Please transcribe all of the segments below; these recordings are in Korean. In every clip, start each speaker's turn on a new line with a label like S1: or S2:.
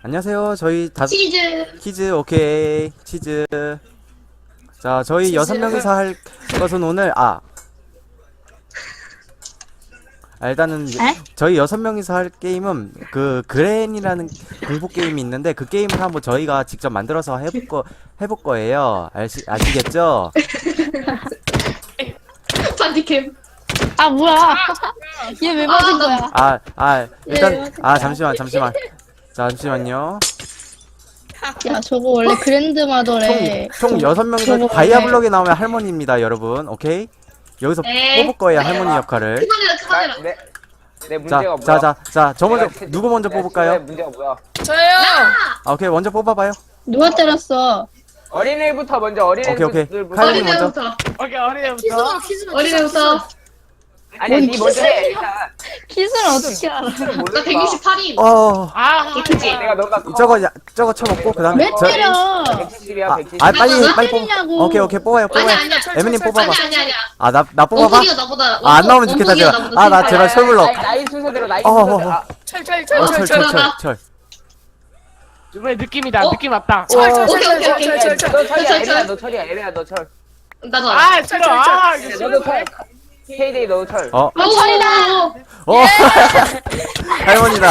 S1: 안녕하세요. 저희
S2: 치즈.
S1: 키즈 오케이 치즈. 자, 저희
S2: 치즈.
S1: 6명이서 할 것은 오늘 일단은
S2: 에?
S1: 저희 6명이서 할 게임은 그 그랜이라는 공포 게임이 있는데 그 게임을 한번 저희가 직접 만들어서 해볼 거예요. 아시겠죠?
S2: 반디캠.
S3: 아 뭐야? 얘 왜 맞은 거야?
S1: 일단 잠시만요.
S3: 야 저거 원래 그랜드마더래.
S1: 총 6명이서
S3: 저거
S1: 다이아블록에 나오면 할머니입니다, 여러분. 오케이? 여기서
S2: 네.
S1: 뽑을 거예요, 할머니 역할을.
S2: 그만해라.
S4: 내 문제가 뭐야?
S1: 저 먼저,
S4: 내가
S1: 누구 먼저
S4: 내가
S1: 뽑을까요?
S4: 친구의 문제가 뭐야?
S2: 저요.
S1: 오케이, 먼저 뽑아봐요.
S3: 누가 때렸어?
S4: 어린애부터 먼저
S1: 오케이.
S4: 어린애들부터.
S1: 칼빈이 먼저.
S2: 어린애부터.
S5: 어린애부터.
S2: 어린애부터.
S4: 아니야, 니 먼저 해. 일단.
S3: 킷을 어떻게 알아?
S2: 나 168임.
S5: 아,
S2: 그치?
S4: 내가 너가
S1: 저거 쳐먹고, 그 다음에.
S3: 왜 때려?
S4: 170이야, 170.
S1: 빨리
S3: 왜
S1: 뽑.
S3: 때리냐고.
S1: 오케이, 뽑아요.
S2: 아니야.
S1: 에미님 뽑아봐.
S2: 아니야.
S1: 나 뽑아봐?
S2: 원숭이가 나보다.
S1: 안 나오면 좋겠다,
S2: 원숭이가
S1: 제가.
S2: 나보다
S1: 나
S2: 세다.
S1: 제발 철불러.
S4: 나이 순서대로, 나이
S1: 어,
S4: 순서대로. 아,
S1: 철.
S5: 이번에 느낌이다.
S2: 어?
S5: 느낌 왔다.
S2: 오케이.
S4: 너 철이야,
S2: 철.
S4: 에리야, 너 철이야, 에리야, 너 철.
S2: 나도.
S5: 아, 싫어. 아, 이거
S4: 너도
S5: 싫어.
S4: 철. K데이 너도 철.
S2: 철이다.
S1: 할머니다.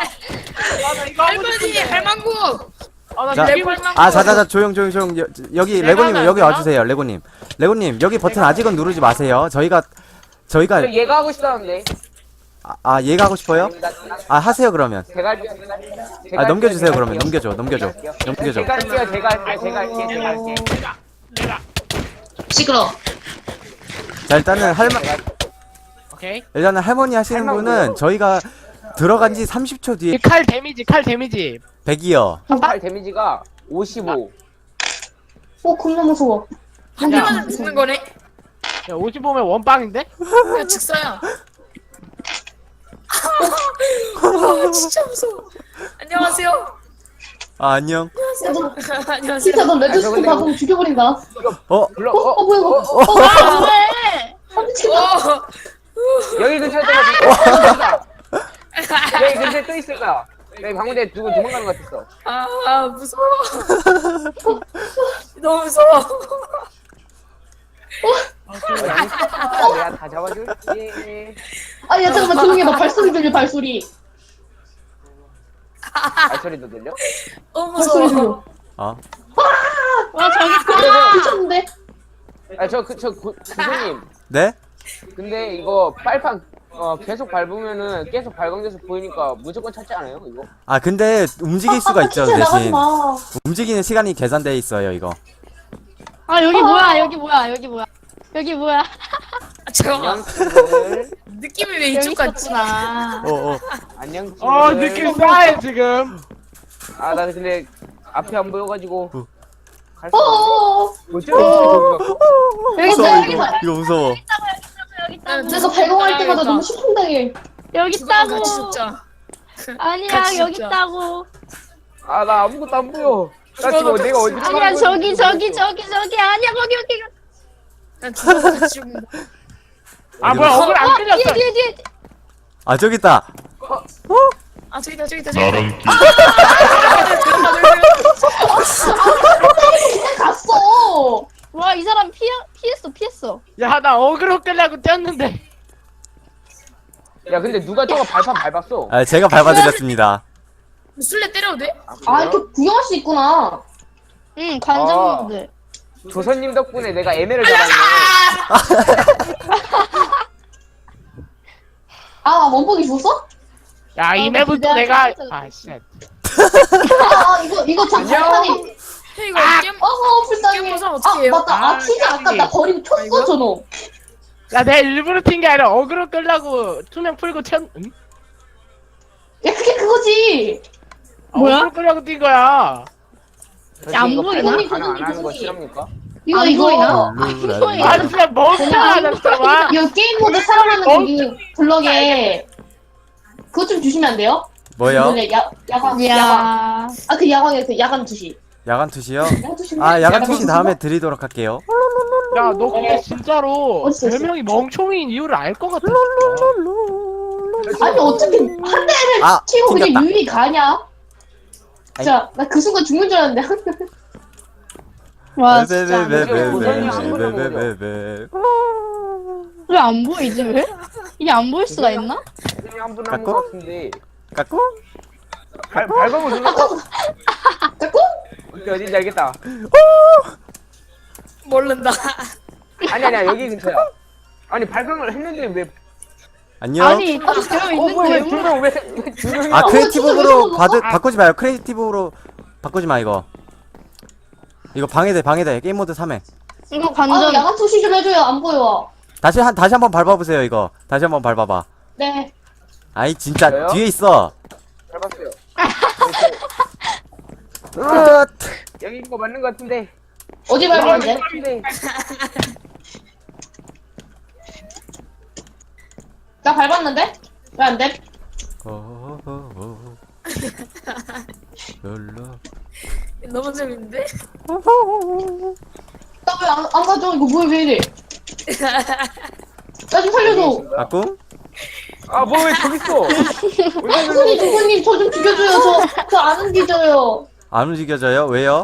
S5: 할머니, 할망구. 나
S1: 자,
S5: 느낌
S1: 조용. 여기 레고님 여기 와주세요, 레고님. 레고님 여기 버튼 아직은 누르지 마세요. 저희가
S4: 얘가 하고 싶다는데.
S1: 얘가 하고 싶어요? 하세요 그러면.
S4: 제가 할게요.
S1: 넘겨주세요 그러면. 넘겨줘.
S4: 제가 할게요.
S2: 시끄러.
S1: 자, 일단은
S5: 오케이.
S1: 할머니 하시는 분은 저희가 들어간 지 30초 뒤에
S5: 칼 데미지.
S1: 100이요.
S4: 팔 데미지가 55.
S2: 겁나 무서워.
S5: 한
S6: 대만 죽는 거네?
S5: 야, 55면 원빵인데?
S6: 야, 직사야. 진짜 무서워. 안녕하세요.
S1: 안녕.
S6: 안녕하세요.
S2: 진짜 너
S4: 레드스톤
S2: 레드스톤 박으면 죽여버린다.
S4: 불러.
S2: 뭐야 이거.
S3: 아 왜?
S6: 어,
S4: 여기 근처에 또 있을까? 여기 근처에 또 있을까? 여기 방문대 두고 도망가는 것 같았어.
S6: 무서워. 너무 무서워.
S4: 내가 다 잡아줄게.
S2: 아야 잠깐만 조용히 해. 나 발소리 들려 발소리.
S4: 발소리도 들려?
S6: 너무
S2: 발소리
S6: 무서워.
S2: 들려.
S3: 와 저기
S2: 미쳤는데.
S4: 교수님.
S1: 네?
S4: 근데 이거 빨판 계속 밟으면은 계속 발광돼서 보이니까 무조건 찾지 않아요 이거?
S1: 근데 움직일 수가 있죠,
S2: 진짜 나가지
S1: 대신.
S2: 마.
S1: 움직이는 시간이 계산돼 있어요, 이거.
S3: 여기 뭐야? 여기 뭐야?
S6: 잠깐만.
S4: 안녕.
S6: 느낌이 왜
S3: 여기
S6: 이쪽 같지?
S3: 있었구나.
S4: 안녕.
S5: 느낌 싸해, 지금.
S4: 나 근데 앞이 안 보여가지고 갈 수.
S2: 어어어.
S4: 뭐지?
S2: 여기 있다 여기 있다.
S1: 이거 무서워.
S2: 내가 발광할 때마다 너무 심쿵당해.
S3: 여기
S6: 죽어랑
S3: 있다고.
S6: 같이 죽자.
S3: 아니야
S6: 같이
S3: 여기
S6: 죽자.
S3: 있다고.
S4: 나 아무것도 안 보여. 나 지금 내가 어디로
S3: 아니야
S4: 가는
S3: 저기
S4: 건지
S3: 아니야 거기.
S6: 난 죽어랑 같이 죽는다.
S5: 뭐야, 억울 안 끌렸어.
S3: 뒤에.
S1: 저기 있다.
S6: 저기다.
S2: 갔어.
S3: 와 이 사람 피했어.
S5: 야, 나 억울로 끌려고 뛰었는데.
S4: 야 근데 누가 저거 발판 밟았어?
S1: 제가 밟아드렸습니다.
S6: 술래 때려도 돼?
S2: 이렇게 구경할 수 있구나.
S3: 응 관장님들.
S4: 조선님 덕분에 내가 애매를 잡았네.
S2: 원복이 줬어?
S5: 야, 이 맵은 또
S3: 기대하지
S5: 내가.
S3: 못했어.
S5: 쉣.
S2: 이거 장판이.
S6: 이거 게임
S2: 불쌍해.
S6: 게임 보상 어떻게 해요?
S2: 맞다. 치즈 아까 나 버리고 쳤어 저놈.
S5: 야, 내가 일부러 튄 게 아니라 억울로 끌려고 투명 풀고 응?
S2: 야 그게 그거지.
S3: 뭐야?
S5: 억울로 끌려고 뛴 거야.
S3: 안 보이나?
S4: 안 하는 거 싫습니까?
S2: 이거
S3: 안 보이나?
S5: 아, 진짜 멍청하다, 진짜. 와.
S2: 이거 게임 모드 사용하는 거기 블럭에 그거 좀 주시면 안 돼요?
S1: 뭐요?
S2: 원래 야광.
S3: 야.
S2: 그 야광에 그 야간 투시.
S1: 야간 투시요?
S2: 야간 투시.
S1: 야간 투시 다음에 드리도록 할게요.
S5: 야, 너 근데 진짜로
S2: 어딨어, 어딨어?
S5: 별명이 멍청이인 이유를 알 것 같아.
S2: 아니 어떻게 한 대를
S1: 아,
S2: 치고 그냥
S1: 튕겼다.
S2: 유리 가냐? 진짜 나 그 순간 죽는 줄 알았는데.
S3: 와 진짜
S1: 베베베베베베베베베.
S3: 왜 안 보이지 왜? 이게 안 보일 수가 있나?
S4: 한분
S1: 깎고?
S4: 남은 것 같은데.
S1: 깎고?
S4: 발광을 눌렀고.
S2: 자꾸?
S4: 오케이, 어딘지 알겠다.
S6: 모른다.
S4: 아니야, 여기 근처야. 아니, 발광을 했는데 왜?
S1: 안녕.
S3: 아니 딱 되어
S4: 왜
S3: 있는데
S4: 두명 두 명이
S1: 아
S4: 나와?
S1: 크리에이티브로
S2: 왜
S1: 바꾸지 마요. 크리에이티브로 바꾸지 마 이거. 이거 방해돼. 게임 모드 3회.
S3: 이거
S2: 아
S3: 관전
S2: 야간 투시 좀 해줘요. 안 보여.
S1: 다시 한번 밟아보세요 이거. 다시 한번 밟아봐.
S2: 네.
S1: 아이 진짜
S4: 저요?
S1: 뒤에 있어.
S4: 잘 봤어요. 여기 있는 거 맞는 것 같은데.
S2: 어디 밟았는데? 나 밟았는데? 왜 안 돼?
S6: 너무 재밌는데?
S2: 나 왜 안 가져? 이거 뭐야 왜 이래? 나 좀 살려줘.
S1: 아꿍?
S4: 아, 뭐 왜 저기 있어?
S2: 주부님 저 좀 죽여줘요. 저 안 움직여요.
S1: 안 움직여져요? 왜요?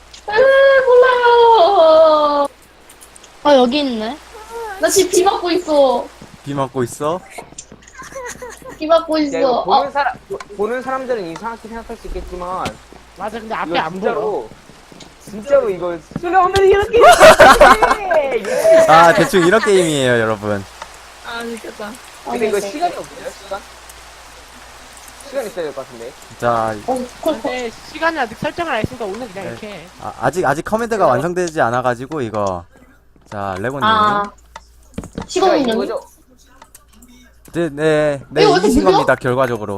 S2: 몰라요.
S3: 아 여기 있네
S2: 나 지금 비 맞고 있어.
S1: 비 맞고 있어?
S2: 비 맞고
S4: 야, 이거
S2: 있어.
S4: 보는 사람들은 이상하게 생각할 수 있겠지만
S5: 맞아 근데 앞에
S4: 이거
S5: 안 보여.
S4: 진짜로 이거 수려하면 이렇게
S1: 아 대충 이런 게임이에요 여러분.
S6: 아, 미쳤다.
S4: 근데 이거 시간이 없어요? 시간 있어야 될 것 같은데.
S1: 자
S5: 근데 시간을 아직 설정을 안 했으니까 오늘 그냥
S1: 네.
S5: 이렇게 해.
S1: 아직 커맨드가 완성되지 않아가지고 이거. 자 레고님.
S2: 아.
S4: 제가
S2: 시간은
S4: 이긴
S2: 여기?
S4: 거죠?
S2: 이거
S1: 네
S2: 왜 이렇게
S1: 이기신
S2: 느려?
S1: 겁니다 결과적으로.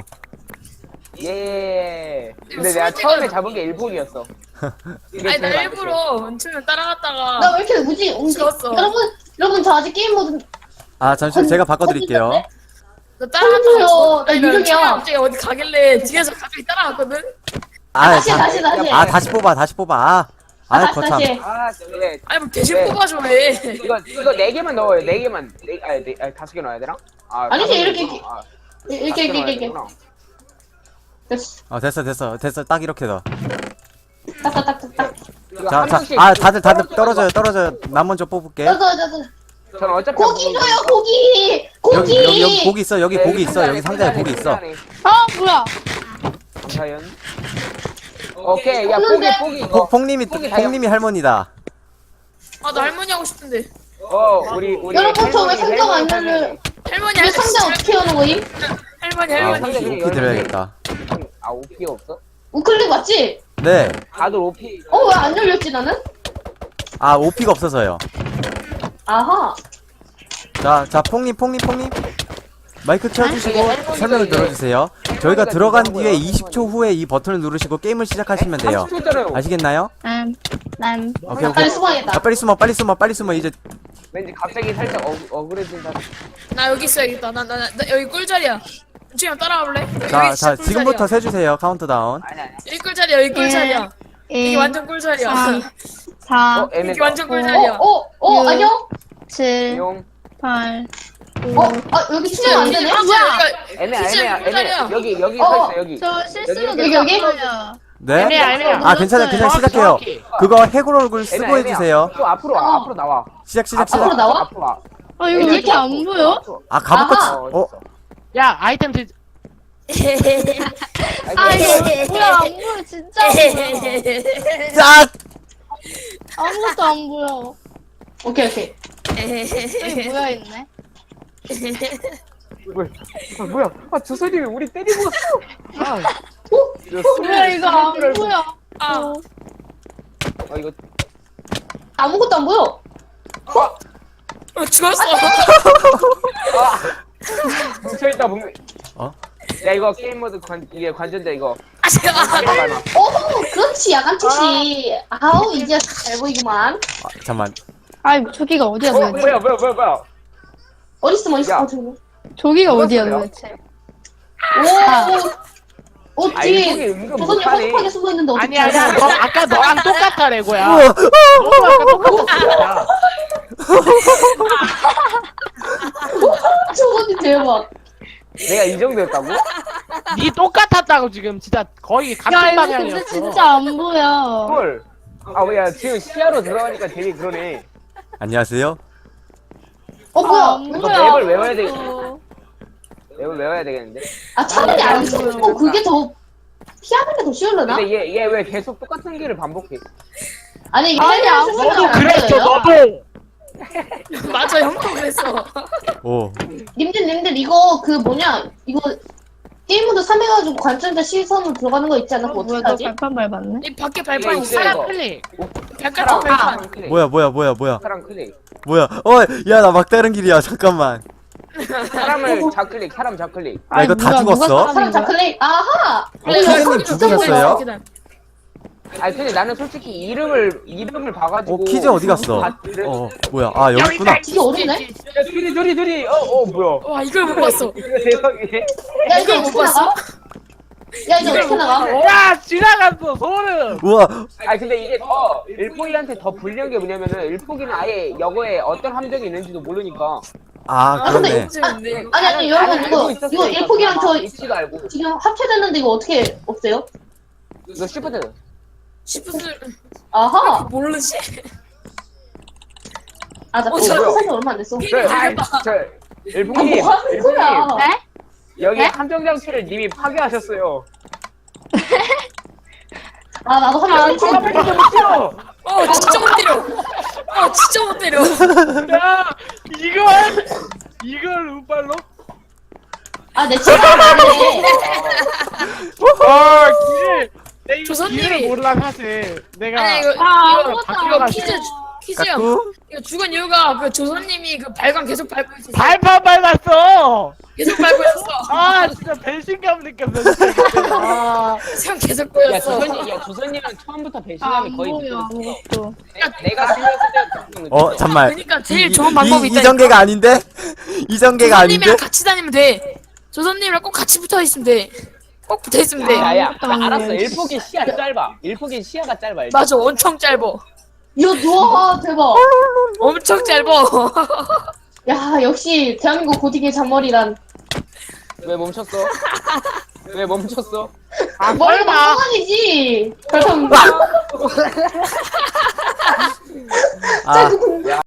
S4: 예.
S6: 이거
S4: 근데 내가
S6: 솔직히-
S4: 처음에 잡은 게 일본이었어.
S6: 아니, 나 일부러 춤을 따라갔다가.
S2: 나 왜 이렇게 뭐지?
S6: 죽었어.
S2: 여러분 저 아직 게임 모드
S1: 아 잠시만 제가 바꿔드릴게요.
S6: 나 따라갔다가.
S2: 살려줘요.
S6: 죽었어.
S2: 나
S6: 아니,
S2: 유령이야.
S6: 춤이 갑자기 어디 가길래 뒤에서 갑자기 따라갔거든?
S2: 다시
S1: 자-
S2: 다시.
S1: 다시 뽑아.
S2: 다시
S1: 거참.
S2: 다시.
S4: 아, 네.
S6: 아니, 뭐 대신
S4: 네.
S6: 뽑아줘, 왜.
S4: 이거 4개만 넣어요. 4개만. 아니 5개 넣어야 되나? 아,
S2: 아니지,
S4: 다섯 개
S2: 이렇게,
S4: 넣어. 아,
S2: 이렇게
S4: 다섯 개 넣어야
S2: 이렇게.
S4: 되구나.
S2: 됐어.
S1: 됐어 딱 이렇게 더.
S2: 딱딱딱딱.
S4: 이거 한 명씩
S1: 다들 떨어져요. 나 먼저 뽑을게.
S2: 저저
S4: 저는 어차피
S2: 고기
S4: 안
S2: 줘요
S4: 먹으니까.
S2: 고기.
S1: 여기 고기 있어. 여기
S4: 네,
S1: 고기 있어. 여기
S4: 끝나네,
S1: 상자에 고기 있어.
S4: 끝나네.
S3: 아 뭐야
S4: 김사연. 오케이, 야
S2: 없는데?
S4: 포기 이거.
S1: 폭님이 할머니다.
S6: 아, 나 할머니 하고 싶은데.
S4: 우리
S2: 여러분, 저왜
S4: 할머니,
S2: 상자가 안
S4: 할머니
S2: 열려요?
S6: 할머니,
S2: 이거
S6: 할머니.
S2: 상자 어떻게 여는 거임?
S6: 할머니,
S1: 아,
S6: 할머니.
S4: 상자-
S1: 오피 드려야겠다.
S4: 아, 오피가 없어?
S2: 우클릭 맞지?
S1: 네.
S4: 다들 오피.
S2: 왜 안 열렸지 나는?
S1: 아 오피가 없어서요.
S2: 아하.
S1: 자 폭님. 마이크 켜주시고
S4: 할머니가
S1: 설명을
S4: 이제-
S1: 들어주세요. 저희가
S4: 할머니가
S1: 들어간
S4: 들어간
S1: 뒤에
S4: 거야,
S1: 20초 후에 이 버튼을 누르시고 게임을 시작하시면 돼요.
S4: 30초잖아요.
S1: 아시겠나요?
S3: 난
S1: 오케이.
S2: 빨리 숨어야겠다.
S1: 빨리 숨어 이제.
S4: 왠지 갑자기 살짝 억울해진다.
S6: 나 여기 있어야겠다. 나 여기 꿀자리야. 지금 따라와 볼래?
S1: 자 지금부터 세주세요. 카운트다운.
S4: 아니.
S6: 여기 꿀자리야. 여기 꿀자리야. 여기
S3: 1
S6: 완전 꿀자리야.
S3: 4
S6: 여기
S4: 애매다.
S6: 완전 꿀자리야.
S2: 안녕?
S3: 7
S4: 용.
S3: 8
S2: 여기 수면 안 되네?
S4: 애매야. 여기 서 있어 여기.
S3: 저 실수로
S2: 여기?
S3: 눌렀어요.
S1: 네.
S5: 애매야.
S1: 아 괜찮아요. 그냥
S5: 정확히,
S1: 시작해요.
S5: 정확히.
S1: 그거 해골 얼굴 쓰고
S4: 애매야.
S1: 해주세요.
S4: 좀 앞으로 와. 앞으로 나와.
S1: 시작.
S2: 앞으로 나와?
S4: 앞으로 와.
S3: 아 이거 왜 이렇게 안 보여?
S1: 아 갑옷
S2: 아하.
S5: 야 아이템 드.
S3: 아 이거 뭐야 안 보여 진짜 안 보여.
S1: 짝.
S3: 아무것도 안 보여.
S2: 오케이.
S3: 여기 뭐야 있네.
S4: 뭐야? 아, 주선이 우리 때리고 왔어.
S3: 뭐야 이거 안 보여.
S6: 아,
S4: 이거
S2: 아무것도 안 보여.
S6: 죽었어.
S4: 뭉쳐 있다 뭉.
S1: 어?
S4: 야 이거 게임 모드 이게 관전자 이거.
S6: 아, 제발.
S2: 그렇지 야간 투시. 아우 이제 잘 보이구만.
S1: 잠만.
S3: 아 저기가 어디야 도대체?
S4: 뭐야?
S2: 어딨어
S4: 야.
S3: 저기가 어디야
S4: 죽었어요?
S3: 도대체?
S2: 오.
S4: 아
S2: 뒤에
S4: 이거 은근
S2: 조선이
S4: 못하네.
S2: 허접하게 숨어 있는데 어떻게
S5: 아니야. 너 아까 너랑 똑같아 레고야.
S1: 우와.
S5: 너도 아까 똑같았어.
S2: 조선이 대박.
S4: 내가 이 정도였다고?
S5: 니 똑같았다고 지금 진짜 거의 같은
S3: 야, 이거 근데
S5: 방향이었어.
S3: 진짜 안 보여.
S4: 헐. 아 뭐야 지금 시야로 들어가니까 되게 그러네.
S1: 안녕하세요.
S2: 뭐야?
S3: 안
S4: 이거
S3: 보여.
S4: 맵을 외워야 돼. 맵을 외워야 되겠는데.
S2: 아, 차라리 안 쓰고 그게 더 피하는 게 더 쉬울려나?
S4: 근데 얘 왜 계속 똑같은 길을 반복해?
S2: 아니, 이게
S3: 아니,
S2: 헬리안
S3: 안
S2: 쓰면
S5: 너도
S2: 안
S5: 그랬어
S2: 돼요.
S5: 너도.
S6: 맞아 형도 그랬어.
S1: 오.
S2: 님들 이거 그 뭐냐 이거 게임 모드 3해가지고 관전자 시선으로 들어가는 거 있지 않아? 그거
S3: 뭐야,
S2: 어떻게
S3: 너
S2: 하지?
S3: 발판 밟았네?
S6: 이 밖에 발판
S4: 이거
S6: 있어.
S4: 있어요,
S5: 사람
S4: 이거.
S5: 클릭.
S6: 발가락 발판.
S4: 클릭.
S1: 뭐야.
S4: 사람 클릭.
S1: 뭐야? 야 나 막다른 길이야. 잠깐만.
S4: 사람을 좌클릭. 사람 좌클릭.
S1: 아, 이거 다
S3: 누가
S1: 죽었어?
S3: 사람인
S2: 사람
S3: 거야?
S2: 자클릭 아하!
S1: 키즈님 죽으셨어요?
S4: 아니 근데 나는 솔직히 이름을 봐가지고.
S1: 퀴즈 어디 갔어? 뭐야? 아 여기 있구나.
S2: 이게 어딨네?
S4: 둘이. 뭐야?
S6: 와 이걸 못 봤어.
S4: 이거 세상에.
S2: 야 이거
S6: 이걸 못
S2: 어떻게 나가? 야 이거 어떻게 나가?
S5: 와 지나갔어 소름.
S1: 우와.
S4: 아니 근데 이게 더 일폭이한테 더 불리한 게 뭐냐면은 일폭이는 아예 여거에 어떤 함정이 있는지도 모르니까.
S1: 아 그렇네.
S6: 재밌네.
S2: 아니 여러분 이거 일폭이랑 저
S4: 위치도 알고.
S2: 지금 합체됐는데 이거 어떻게 없애요?
S4: 이거 시프트.
S6: 시프트
S2: 아하!
S6: 모르지?
S2: 아나
S6: 저-
S2: 사실 얼마 안 됐어.
S4: 저 일폭님.
S2: 뭐 하는 거야?
S3: 에?
S4: 여기
S3: 네?
S4: 함정 장치를 님이 파괴하셨어요.
S2: 아 나도 한번
S4: 진짜 못 뛰어.
S6: 진짜 못 때려. 진짜 못 때려.
S5: 야 이걸 우발로?
S2: 아내 친구 아니네.
S5: 아 길을 내 이거
S6: 조선님이-
S5: 길을 몰라 사실. 내가
S6: 아니 이거
S3: 아,
S6: 이거
S5: 바뀌어가지고.
S6: 퀴즈야.
S1: 까꿍?
S6: 이거 죽은 이유가 그 조선님이 그 발광 계속 밟고 있었어.
S5: 발판 밟았어.
S6: 계속 밟고 있었어.
S5: 아 진짜 배신감 느꼈어. 진짜. 아.
S6: 상 계속
S4: 야
S6: 보였어.
S4: 조선님은 처음부터
S3: 아,
S4: 배신감이
S3: 안
S4: 거의
S3: 보여,
S4: 느껴졌어.
S3: 아무것도.
S4: 내가 살렸을 때.
S1: 잠만.
S6: 그러니까 제일 좋은 방법이 있다.
S1: 이전개가 아닌데? 이전개가 아닌데?
S6: 조선님이랑 같이 다니면 돼. 조선님이랑 꼭 같이 붙어 있으면 돼. 꼭 붙어 있으면 돼.
S4: 야야
S3: 아무것도 안
S4: 알았어.
S3: 보여.
S4: 일폭이 시야 짧아. 일폭이 시야가 짧아. 일단.
S6: 맞아, 엄청 짧아.
S2: 이거 누워 대박.
S6: 엄청 짧아.
S2: 야 역시 대한민국 고딩의 잔머리란.
S4: 왜 멈췄어? 왜 멈췄어?
S5: 아
S2: 머리가
S5: 설마.
S2: 망상이지. 그럼
S1: 아,
S4: 야